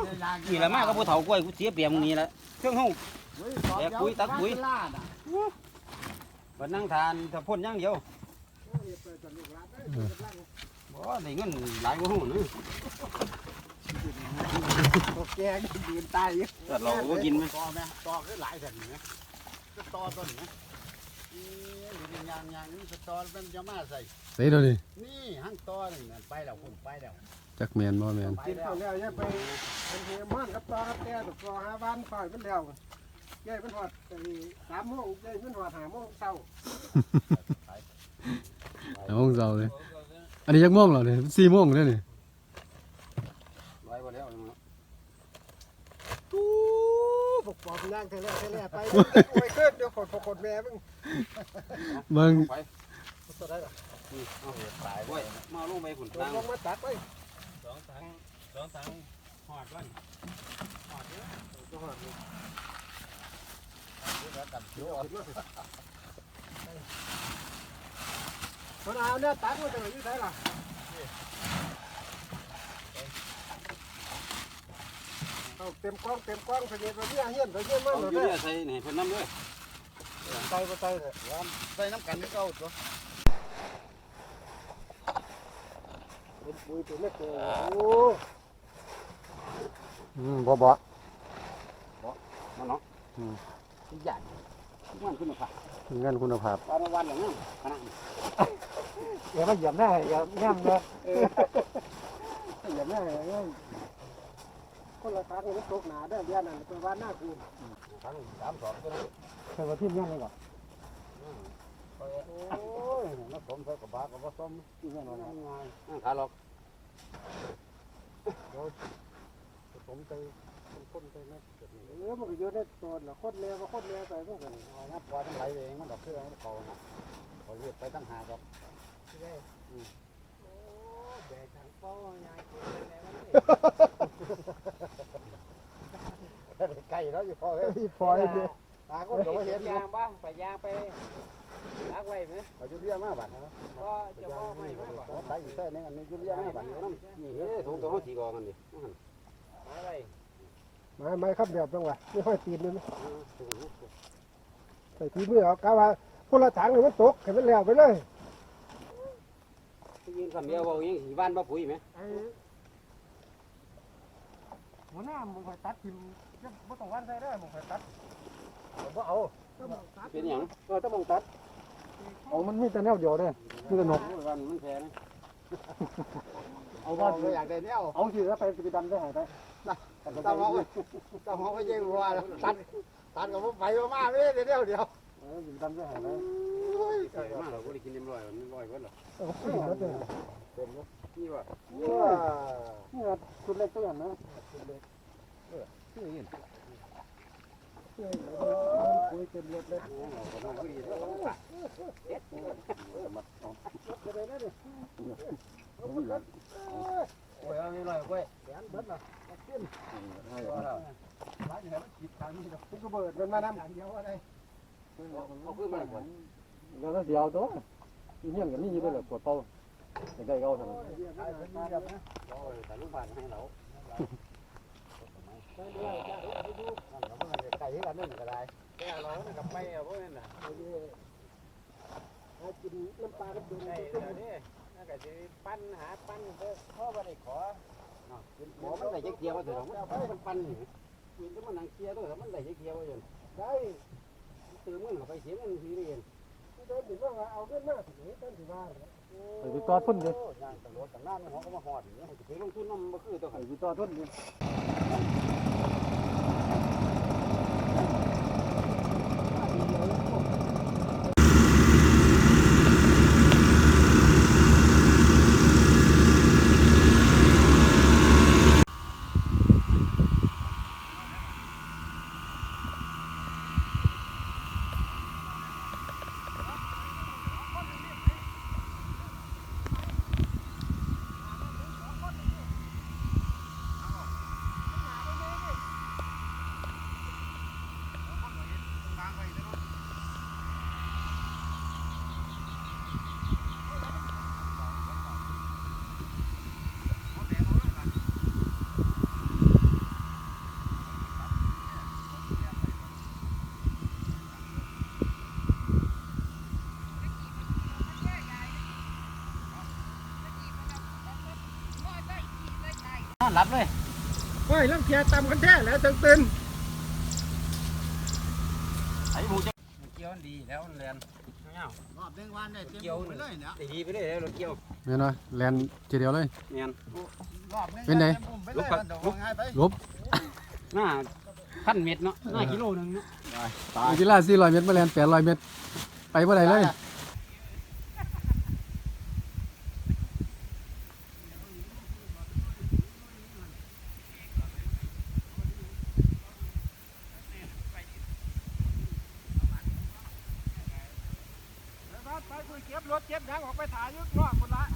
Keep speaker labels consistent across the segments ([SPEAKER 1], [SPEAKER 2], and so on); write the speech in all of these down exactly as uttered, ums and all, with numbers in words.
[SPEAKER 1] นี่แหละมากก็ผู้เฒ่ากล้วยกูเสียเปรียบมึงนี่แหละเครื่องห้องแบกปุ๋ยตักปุ๋ยวันนั่งทานถ้าพ่นอย่างเดียวบ่ได้เงินหลายกว่าหูนึงแกงยืนตายอยู่แต่เราก็กินไหมต่อไหมต่อก็หลายแผ่นไหมก็ต่อต้นไหมนี่ยางยางนี่สตอมันจะมาใส่
[SPEAKER 2] ใส่ตัวนี้
[SPEAKER 1] นี่หั่งต่อนี่ไปแล้วคุณไปแล้ว
[SPEAKER 2] จักแมนบ่แมน
[SPEAKER 3] กินข้าวแล้วเนี่ยไปเป็นเฮมันกับต่อกับแก่ต่อหาบ้านฝ่ายเป็นแล้วแก่เป็นหอดสามโมงแก่เป็นหอดห้าโมงเช้า
[SPEAKER 2] ห้าโมงเช้าเลยอันนี้ยักโมงแล้วเนี่ยสี่โมงแล้วนี่
[SPEAKER 1] ไว้บ่แล้ว
[SPEAKER 3] ตู้ปกปอบย่างเทเลเทเลไปโอ้ยขึ้นเดี๋ยวขดขดแม่มึง
[SPEAKER 2] มึง
[SPEAKER 3] ตัวได้หรอ
[SPEAKER 1] เอาสายไว้มาลงไปฝุ่น
[SPEAKER 3] ลงมาตัดไป
[SPEAKER 1] สองถังสองถังหอดไว้หอดเยอะหอดเลยตัดเขียว
[SPEAKER 3] คนเอาเนี่ยตัดมาจากไหนที่ไหนล่ะเอาเต็มกล้องเต็มกล้องไปเนี่ยไปเนี่ยเฮี้ยนไปเฮี้ยนมากเลย
[SPEAKER 1] เนี่ยใส่ไหนเพิ่นน้ำด้วย
[SPEAKER 3] ใส่ไปใส่เลย
[SPEAKER 1] ใส่น้ำกันนี่ก็เอาตัว
[SPEAKER 3] เป็นปุ๋ยตัวเล็กเลยโอ้
[SPEAKER 2] อืมบ่บ่
[SPEAKER 1] บ่มาเนาะอืมใหญ่มันคุณภาพ
[SPEAKER 2] เงินคุณภาพ
[SPEAKER 1] วันวันอย่างนั้นขนาด
[SPEAKER 3] อย่ามาเหยียบหน้าอย่าย่ำเลยเหยียบหน้าเลยคนละครั้งมันตกหนาได้เดือนนั้นเป็นวันหน้าคืน
[SPEAKER 1] ครั้งสามสองก็ได้
[SPEAKER 3] เคยมาทิ้งยังไงก่อน
[SPEAKER 1] โอ้ยนักสมใส่กระบะกระบะส้มที่นั่นว่าง่ายขาหลอก
[SPEAKER 3] ผมไปคนไปนะเออมันก็เยอะได้ตัวละคนเลี้ยก็คนเลี้ยไปพวกกัน
[SPEAKER 1] เอานับว่าทั้งไหลเองมันดอกเพื่อเขาเขาเรียกไปตั้งหาครับ
[SPEAKER 3] ใช่โอ้แบกถังป้อยาย
[SPEAKER 1] ไก่แล้วอยู่พอเลย
[SPEAKER 3] พอเลย
[SPEAKER 1] ตาก็เดี๋ยวเห็น
[SPEAKER 3] ยางบ้างไปยางไปล้างไว้ไหม
[SPEAKER 1] ไปจุดเรียมาบ้านนะ
[SPEAKER 3] ก็จะพ่อไม่ไม่บ่
[SPEAKER 1] ตายอยู่แค่นี้อันนี้จุดเรียมาบ้านน้ำนี่เฮ้ยถุงตัวเขาถีกอกันดิ
[SPEAKER 3] ไม่ไม่ไม่ครับเดี๋ยวจังหวะไม่ค่อยตีนเลยใส่ทีมือเอากะว่าพละถังเลยมันตกเห็นมันแล้วไปเลย
[SPEAKER 1] ยืนคำเดียวว่าอย่างหีบ้านบ้าปุ๋ยไหม
[SPEAKER 3] หัวหน้ามึงคอยตัดทิมจะไม่ต้องวันใส่ได้มึงคอยตัด
[SPEAKER 1] บ่เอาเป็นอย่าง
[SPEAKER 3] เออต้องมึงตัดเอามันมีแต่แนวเดียวเลยมีแต่นก
[SPEAKER 1] วันมันแพ้นะ
[SPEAKER 3] เอาบ้าน
[SPEAKER 1] อยากได้แนว
[SPEAKER 3] เอาสิแล้วไปไปดันได้หายไป
[SPEAKER 1] ตามเขาตามเขาไม่ใช่วัวตัดตัดกับผมไปมาไม่ได้เดียวเดียว
[SPEAKER 3] เออดันได้หายไป
[SPEAKER 1] ใส่มาเราก็ได้กินเต็มร้อยมันร้อยก็หรอ
[SPEAKER 3] เต็ม
[SPEAKER 1] เต็มนี่ว่า
[SPEAKER 3] นี่คุณเล็กตัวอย่างนะคุณเล็ก
[SPEAKER 1] เออที่นี่
[SPEAKER 3] คุยเต็มรถเลย
[SPEAKER 1] โอ้ยเอาไม่ลอยกล้วยแขนเบิดละขึ้นร้านอยู่ไหนมันขีดทางนี้ดอก
[SPEAKER 3] ก็เบิดมันมาน้ำเดียวอะไร
[SPEAKER 1] เอาขึ้นมาก่อน
[SPEAKER 3] แล้วเดียวตัวเงี้ยกันนี่ยืดเลยปวดเป้าได้เขาทำ
[SPEAKER 1] แต่ลูกบาศให้เราไก่ที่กันนึ่งก็ได้แก่เราเนี่ยกับไม่เอาพวกนั้นน่ะ
[SPEAKER 3] กินน้ำปลาก็ดู
[SPEAKER 1] ได้เดี๋ยวนี้น่าจะปั้นหาปั้นเพื่อพ่อมาได้ขอหมอมันได้เกี่ยวเถอะมันปั้นอยู่ยืนก็มันนั่งเกี่ยวด้วยมันได้เกี่ยวอยู่
[SPEAKER 3] ได้
[SPEAKER 1] ตื่นมันไปเสียมันทีเรียน
[SPEAKER 3] โดนถึงว่าเอาเงินมากถึงต้นถึงว่า
[SPEAKER 2] ไปต่อทุนเลย
[SPEAKER 1] ย่างตำรวจต่างหน้าเนี่ยเขาก็มาหอดอย่างเงี้ยจะไปลงทุนน้ำมันคือตัว
[SPEAKER 2] ไปต่อทุนเลย
[SPEAKER 1] อนหลับเลย
[SPEAKER 3] โอ้ยลังเทียตำกันแท้แล้วตึงตื่น
[SPEAKER 1] ไอ้หมูจะเกี่ยวดีแล้วเรียนรอบเด้งวันได้เกี่ยวไปเลยเนี่ยดีไปเลยรถเกี่ยว
[SPEAKER 2] แม่นบ่แลนทีเดียวเลย
[SPEAKER 1] เนียน
[SPEAKER 3] รอบนี้
[SPEAKER 2] เป็นไง
[SPEAKER 1] ลุกไปลุก
[SPEAKER 2] ลบ
[SPEAKER 1] หน้าพันเม็ดเนาะหน้ากิโลนึงเนาะตาย
[SPEAKER 2] กีฬาสี่ร้อยเมตรมาแลนแปดร้อยเมตรไปบ่ได้เลย
[SPEAKER 3] ไปคุยเก็บรถเก็บยังออกไปถ่ายยุดรอบคนละ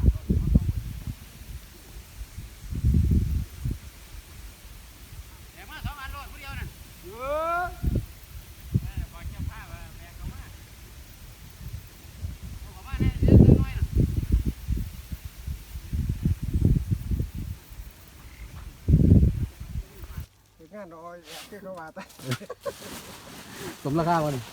[SPEAKER 1] เดี๋ยวมาสองอันโลดผู้เดียวนั่น
[SPEAKER 3] เออ
[SPEAKER 1] บอกเจ้าภาพว่าแบกเขามาเขามาเนี่ยเดี๋ยวน้อยน่ะ
[SPEAKER 3] ถึงงานรอยที่เขาว่าแต่
[SPEAKER 2] สมราคาบ่นี่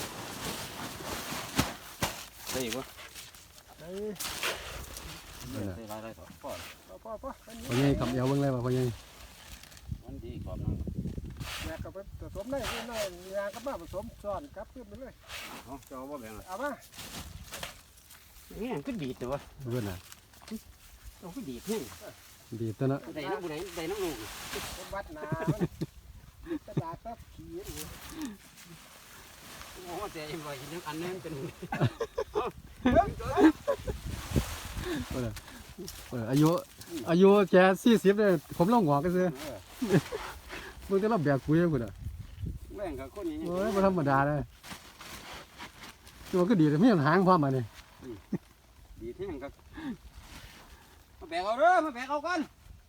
[SPEAKER 1] ได้อีกวะ
[SPEAKER 3] ไอ้
[SPEAKER 1] ได้ไรไรต่อพ่อ
[SPEAKER 3] พ่อพ่อพ่ออันนี้
[SPEAKER 2] พ่อใหญ่ขับเอวเบิ่งเลยว่าพ่อใหญ่
[SPEAKER 1] มันดีกว่านั้น
[SPEAKER 3] แม่ก็ไปผสมได้ที่น้อยยาก็มาผสมซ้อนกลับขึ้นไปเลย
[SPEAKER 1] เอาเจ้าว่าแบ่งละ
[SPEAKER 3] เอามา
[SPEAKER 1] นี่ก็ดีตัว
[SPEAKER 2] เพิ่นน่ะ
[SPEAKER 1] เราก็ดีที่
[SPEAKER 2] ดีตัวเนาะ
[SPEAKER 1] ได้น้ำบุไหนได้น้ำลูก
[SPEAKER 3] เป็นวัดนามันกระดาษซับขี้อยู่
[SPEAKER 1] โอ้แต่ยังไงยังอันนี้เป็น
[SPEAKER 2] เออเอออายุอายุแค่สี่สิบเลยผมลงหัวกันซื่อมึงจะรับแบกคุยพุ่นน่ะ
[SPEAKER 1] แบ่งกับคนนี้
[SPEAKER 2] โอ้ยบ่ธรรมดาเลยตัวก็ดีแต่มีหางพร้อมมานี่
[SPEAKER 1] ดีที่ยังครับมาแบกเอาเด้อมาแบกเอากัน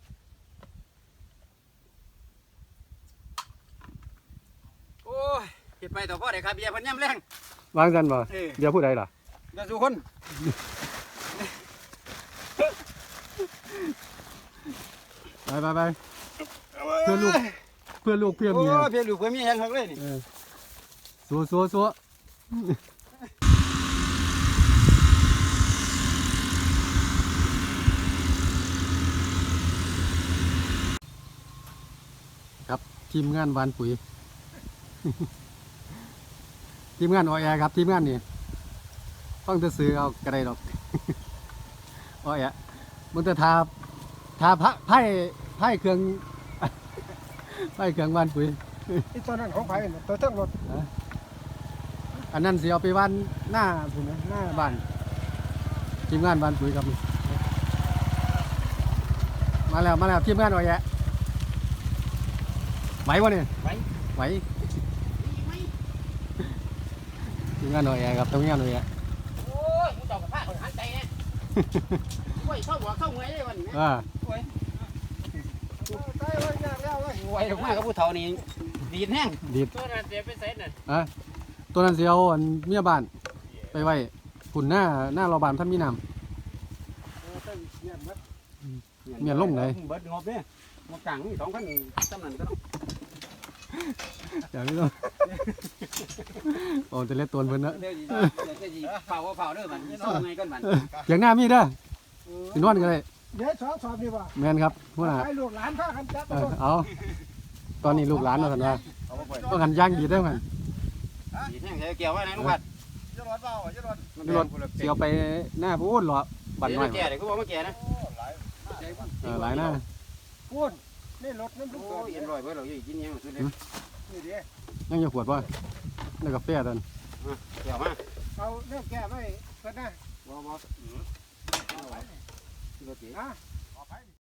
[SPEAKER 1] โอ้ยเก็บไปต่อพ่อเด็กครับเบียร์พันย่ำแรง
[SPEAKER 2] วางกันบ่เดี๋ยวผู้ใดล่ะ
[SPEAKER 1] เดี๋ยวสุคน
[SPEAKER 2] ไปไปไปเพื่อลูกเพื่อลูกเพื่อ
[SPEAKER 1] โอ้
[SPEAKER 2] เมีย
[SPEAKER 1] เพียลูกเพื่อเมียยังหักเลยนี่
[SPEAKER 2] เออสัวสัวสัวครับทีมงานวานปุ๋ย ทีมงานออแอครับทีมงานนี่ต้องจะซื้อเอากระไรดอก ออแอมันจะทาทาพระไพ่ไพ่เครื่อง ไพ่เครื่องวานปุ๋ย
[SPEAKER 3] ไอ้ตัวนั้นของไผ่ตัวทั้งรถ
[SPEAKER 2] อันนั้นสิเอาไปบ้านหน้าผมนะหน้าบ้านทีมงานบ้านปุ๋ยครับมาแล้วมาแล้วทีมงานออยแยะไหววะเนี่ย
[SPEAKER 1] ไว้
[SPEAKER 2] ไหวทีมงานออยแยะครับทีมงานออยแยะ
[SPEAKER 1] โอ้ยมึงจอกกับผ้าคนหันใจเนี่ยโอ้ยเข้าหัวเข้าเงยเลยวันนี้
[SPEAKER 2] อ่า
[SPEAKER 1] โอ้ย
[SPEAKER 3] ใส่ไว้ยากแล้วเว้ย
[SPEAKER 1] โอ้ยมากกับผู้เฒ่านี่ดีดแห้ง
[SPEAKER 2] ดีด
[SPEAKER 1] ตัวนั้นเสียไปใส่น่ะ
[SPEAKER 2] อ่ะตัวนั้นสิเอาอันเมียบ้านไปไว้ฝุ่นหน้าหน้าเราบานท่านมีน้
[SPEAKER 3] เออต้องเงียบมัด
[SPEAKER 2] ำเมียลงไหน
[SPEAKER 1] เบิดงบเนี่ยงบกลางนี่สองพันจำนั้นก็ต้อง
[SPEAKER 2] อย่าไม่ต้อง โอ้จะเล็ดตัวเพิ่นนะ
[SPEAKER 1] เดี๋ยวจะเดี๋ยวจะเผาเผาเด้อมันซ่อมไงกันมัน
[SPEAKER 2] อย่างหน้ามีเด้อสินอนกันเลย
[SPEAKER 3] เดี๋ยวสอบสอบดีกว่า
[SPEAKER 2] แม่นครับหัวหน้า
[SPEAKER 3] ให้ลูกหลานพ่อกันจับ
[SPEAKER 2] เออเอาตอนนี้ลูกหลานเราสันว่าต้องกันย่างดีได้ไหม
[SPEAKER 1] ดีดแห้งใส่เกี่ยวไว้ไหนลูกพัด
[SPEAKER 3] จะรอดเปล่าจะรอด
[SPEAKER 2] รถเสียวไปหน้าพูดหรอบันหน่อย
[SPEAKER 1] แก่เดี๋ยวก็บอกว่าแก่นะ
[SPEAKER 2] เออหลายหน้า
[SPEAKER 3] พูดนี่รถน้ำลูก
[SPEAKER 1] โอ้ยเอ็นร้อยเว้ยเราอยู่กินยังสุดเลย
[SPEAKER 3] นี่เดี๋ยว
[SPEAKER 2] ยังจะขวดป่ะนี่กาแฟตอน
[SPEAKER 1] เกี่ยวมา
[SPEAKER 3] เอาเรื่องแก้ไว้ก็ได้
[SPEAKER 1] บ่บ่อืมเอาไว้รถเก๋
[SPEAKER 3] นะ